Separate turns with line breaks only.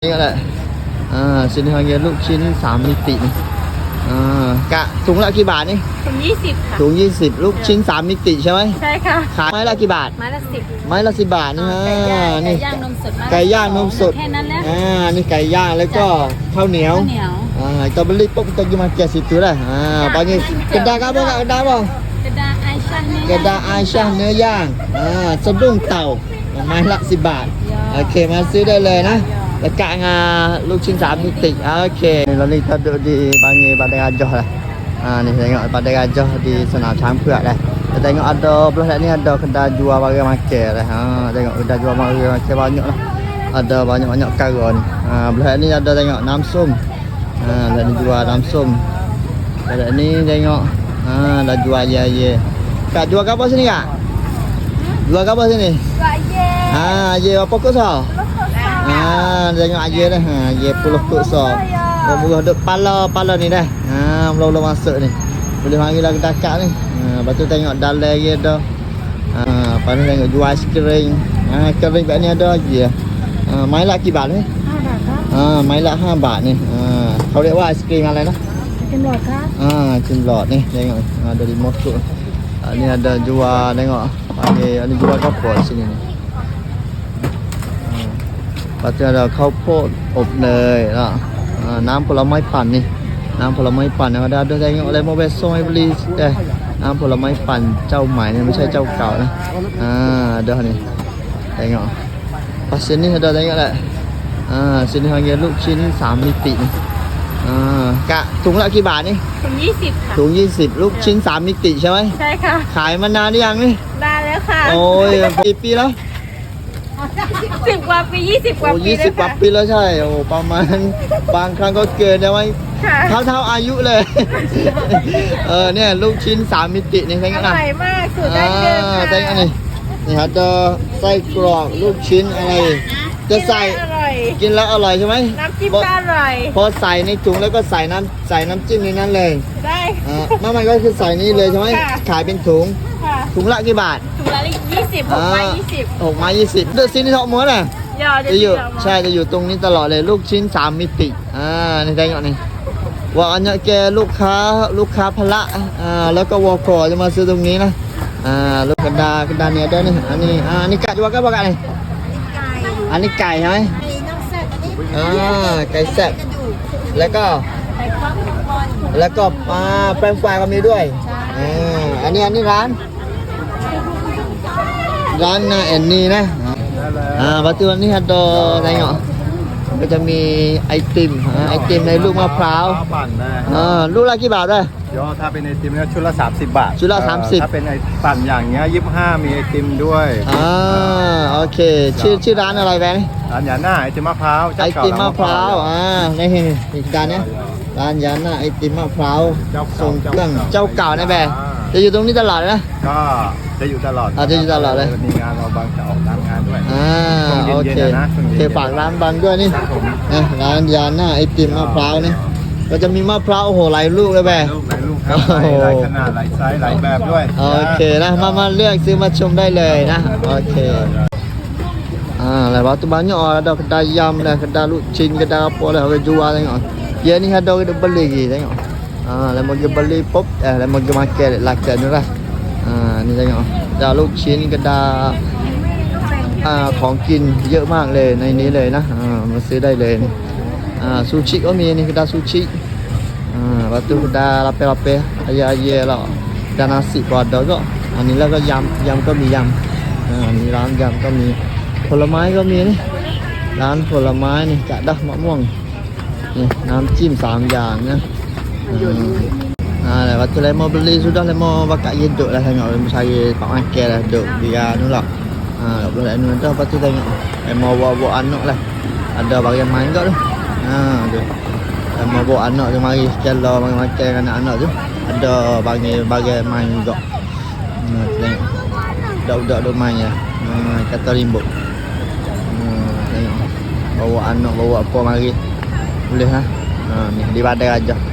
นี่ก็แหละsini panggil ลูกชิ้น3มิตินี่กะถุงละกี่บาทนี่
ถุง20ค่ะ
ถุง20ลูกชิ้น3มิติใช่ไหม
ใช่ค่ะ
ขายไม้ละกี่บาท
ไม้ละ10
ไม้ละ10 บาทนี่ฮะนี่
ไก่ย่างนมสด
ไก่ย่างนมสด
แค่นั้นแหละ
นี่ไก่ย่างแล้วก็ข้าวเหนียวkita beli pun kita pergi makan situ lah panggil kedai apa kat kedai apa kedai Aisyah เนื้อย่างสะดุ้งเต่าไม้ละ10 บาทโอเคมาซื้อได้เลยนะdekat dengan ลูกชิ้น3มิติokeyเราni kita duduk di panggil Padang Gajah lah ni tengok Padang Gajah di Senam Chang Pheuak dah kita tengok ada belah ni ada kedai jual barang makan dah tengok kedai jual barang makan banyak lah ada banyak-banyak perkara ni belah ni ada tengok namsum belah ni jual namsum belah ni tengok dah jual ye kak jual apa sini kak jual apa sini
jual
ye apa kau sah tengok aje dah ye puluh kok so murah duk pala ni dah mula-mula masuk ni boleh panggil lah kedai kak ni lepas tu tengok dalam ye dah lepas tu tengok jual aiskrim kering kat ni ada je mai lahกี่บาทni 5 บาทmai lah 5 บาทni เขาเรียกว่าไอศกรีมอะไรนะ
กินหลอดครับ
กินหลอดni tengok ada di motor ni ada jual tengok panggil ni jual kapur sini ni lepas tu ada ข้าวโพดอบเนยน้ำผลไม้ปั่นนี่น้ำผลไม้ปั่นada tengok lemon besong ai beli น้ำผลไม้ปั่นเจ้าใหม่นี่ไม่ใช่เจ้าเก่านะada ni tengok pas sini ada tengok lah sini panggil ลูกชิ้น3มิตินี่กะถุงละกี่บาทนี่
ถุง20ค่ะ
ถุง20ลูกชิ้น3มิติใช่ไหม
ใช่ค่ะ
ขายมานานหรือยังนี่
นานแล้วค่ะ
โอ้ยกี่ปีแล้ว
10 กว่าปี20 กว่าปี
20 กว่าปีแล้วใช่โอ้ประมาณบางครั้งก็เกินได้ไหมเท่าอายุเลยเนี่ยลูกชิ้น3มิตินี่ใช่ไหม
อร่อยมากสูตรดั้งเดิมค่ะ
ใช่ไหมนี่ครับจะไส้กรอกลูกชิ้นอะไรจะใส่กินแล้วอร่อยใช่ไหม
น้ำจิ้มก็อร่อย
พอใส่ในถุงแล้วก็ใส่น้ำจิ้มในนั้นเลย
ได้
มันก็คือใส่นี่เลยใช่ไหมขายเป็นถุงถุงละกี่บาท
ถุงละ20 6 ไม้20
6 ไม้ 20เดือดซินที่ทอดหมดอ่ะจะอยู่ใช่จะอยู่ตรงนี้ตลอดเลยลูกชิ้น3มิตินี่ได้ก่อนนี่ว่าอันนี้แกลูกค้าพละแล้วก็วอคอจะมาซื้อตรงนี้นะลูกกระดาเนี่ยได้นี่อันนี้ไก่ด้วยกันปะกันนี่อันนี้ไก่ใช่ไหมไก่แซ่บแล้วก็แป้งปลาก็มีด้วยอันนี้ร้านนะแอนนี่นะปัจจุบันนี้ฮัดโดอะไรเนาะก็จะมีไอติมในลูกมะพร้าวลูกละกี่บาทด้วย
ถ้าเป็นไอติมเนี่ยชุดละ30 บาท
ชุดละ30
ถ้าเป็นไอปั่นอย่างเงี้ย25มีไอติมด้วย
โอเคชื่อร้านอะไรแบงค์
ร้านยาน่าไอติมมะพร้าว
ไอติมมะพร้าวนี่อีกด้านนี้ร้านยาน่าไอติมมะพร้าวส่งเครื่องเจ้าเก่านะแบงค์จะอยู่ตรงนี้ตลอดนะ
ก็จะอยู่ตลอด
จะอยู่ตลอดเลย
มีงานเราบางจะออกตามงานด้วย
โอเคฝากร้านบางด้วยนี่ร้านยาน่าไอติมมะพร้าวนี่ก็จะมีมะพร้าวโอ้โหหลายลูกเลยแบงค์
หลายขนาดหลายไซส์หลายแบบด้วย
โอเคนะมาเลือกซื้อมาชมได้เลยนะโอเคlepas tu banyak ada kedai ayam dah kedai lucin kedai apa dah orang jual tengok dia ni ada orang beli lagi tengok lepas dia beli pop lepas dia makan lakat tu lah ni tengok kedai lucin kedaiของกินเยอะมากเลยในนี้เลยนะมาซื้อได้เลยซูชิก็มีนี่kedai sushi lepas tu kedai lape-lape ayam-ayam lah dan nasiก็adaก็อันนี้แล้วก็ยำก็มียำมีร้านยำก็มีผลไม้ก็มีนี่ร้านผลไม้นี่กะดักมะม่วงนี่น้ำจิ้ม3 อย่างนะlepas tu lemon beli sudah lemon bakar ye duk lah tengok lemon saya pak makan lah duk biar tu lah lepas tu lepas tu tengok lemon bawa anak lah ada bagian main kat tu lemon bawa anak tu mari sekala makan anak-anak tu ada bagian main juga tengok budak-budak tu main ya kata rimbuk tengok bawa anak bawa apa mari boleh ni di Padang Gajah